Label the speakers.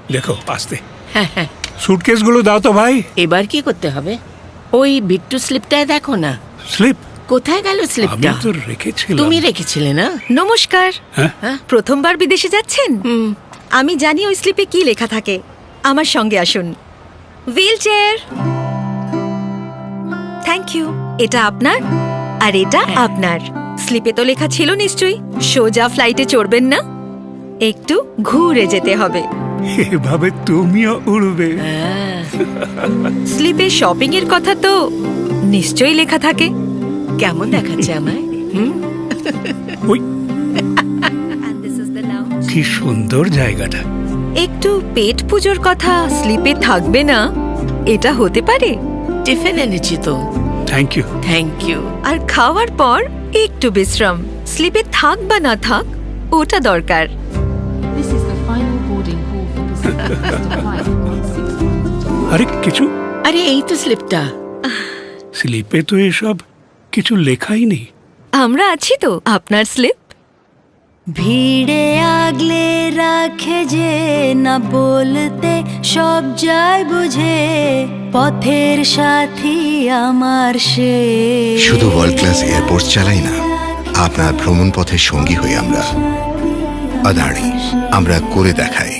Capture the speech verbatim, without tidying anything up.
Speaker 1: লেখো আস্তে।
Speaker 2: হ্যাঁ হ্যাঁ,
Speaker 1: সুটকেসগুলো দাও তো ভাই।
Speaker 2: এবার কি করতে হবে? ওই বিট্টু স্লিপটায় দেখো না।
Speaker 1: স্লিপ?
Speaker 2: কোথায় গেল
Speaker 1: আমি
Speaker 2: স্লিপটা?
Speaker 1: তো রেখেছিলাম।
Speaker 2: তুমি রেখেছিলে না?
Speaker 3: নমস্কার।
Speaker 1: হ্যাঁ?
Speaker 2: হ্যাঁ?
Speaker 3: প্রথমবার বিদেশে যাচ্ছেন?
Speaker 2: হুম।
Speaker 3: আমি জানি ওই স্লিপে কি লেখা থাকে। আমার সঙ্গে আসুন। Wheelchair. Thank you. এটা আপনার আর এটা
Speaker 2: হ্যাঁ।
Speaker 3: আপনার। স্লিপে তো লেখা ছিল নিশ্চয়ই সোজা ফ্লাইটে চড়বেন না, একটু ঘুরে যেতে হবে।
Speaker 1: এভাবে তুমিও উড়বে।
Speaker 2: হ্যাঁ।
Speaker 3: স্লিপে শপিং এর কথা তো নিশ্চয়ই লেখা থাকে।
Speaker 2: কেমন দেখাচ্ছে আমায়? হুম?
Speaker 1: ওই কি সুন্দর জায়গাটা।
Speaker 3: একটু পেট পুজোর কথা স্লিপে থাকবে না, এটা হতে পারে।
Speaker 2: টিফিন এনেছি তো।
Speaker 1: Thank you.
Speaker 2: Thank you.
Speaker 3: আর খাওয়ার পর একটু বিশ্রাম। স্লিপে থাক বা না থাক, ওটা দরকার।
Speaker 4: This is the final boarding call for Pacific Coast flight one six two.
Speaker 1: আরে কিছু
Speaker 2: আরে এই তো স্লিপটা।
Speaker 1: স্লিপে তো এসব কিছু লেখাই নেই।
Speaker 3: আমরা আছি তো, আপনার স্লিপ।
Speaker 5: ভিড়ে আগলে রাখে যে না বলতে সব যায় বুঝে, পথের সাথী আমার সে।
Speaker 6: শুধু ওয়ার্ল্ড ক্লাস এয়ারপোর্ট চালাই না, আপনার ভ্রমণ পথের সঙ্গী হই আমরা। আদানি, আমরা করে দেখাই।